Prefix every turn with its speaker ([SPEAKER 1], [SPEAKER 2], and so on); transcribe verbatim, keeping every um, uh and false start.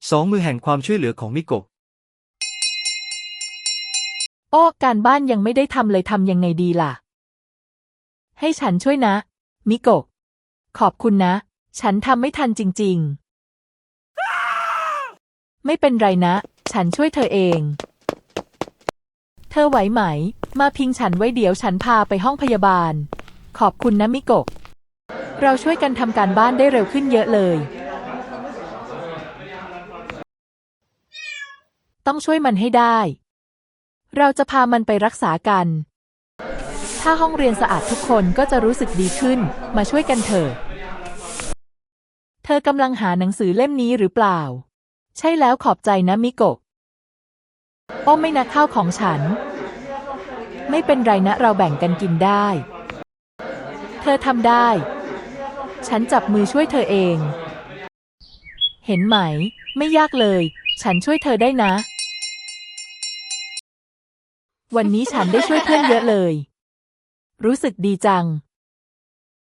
[SPEAKER 1] สองมือแห่งความช่วยเหลือของมิโกะ
[SPEAKER 2] โอ้การบ้านยังไม่ได้ทำเลยทำยังไงดีล่ะให้ฉันช่วยนะมิโกะขอบคุณนะฉันทำไม่ทันจริงๆไม่เป็นไรนะฉันช่วยเธอเองเธอไหวไหมมาพิงฉันไว้เดี๋ยวฉันพาไปห้องพยาบาลขอบคุณนะมิโกะเราช่วยกันทำการบ้านได้เร็วขึ้นเยอะเลยต้องช่วยมันให้ได้เราจะพามันไปรักษากันถ้าห้องเรียนสะอาดทุกคนก็จะรู้สึกดีขึ้นมาช่วยกันเถอะเธอกำลังหาหนังสือเล่มนี้หรือเปล่าใช่แล้วขอบใจนะมิโกะโอ้ไม่นะข้าวของฉันไม่เป็นไรนะเราแบ่งกันกินได้เธอทำได้ฉันจับมือช่วยเธอเองเห็นไหมไม่ยากเลยฉันช่วยเธอได้นะวันนี้ฉันได้ช่วยเพื่อนเยอะเลยรู้สึกดีจัง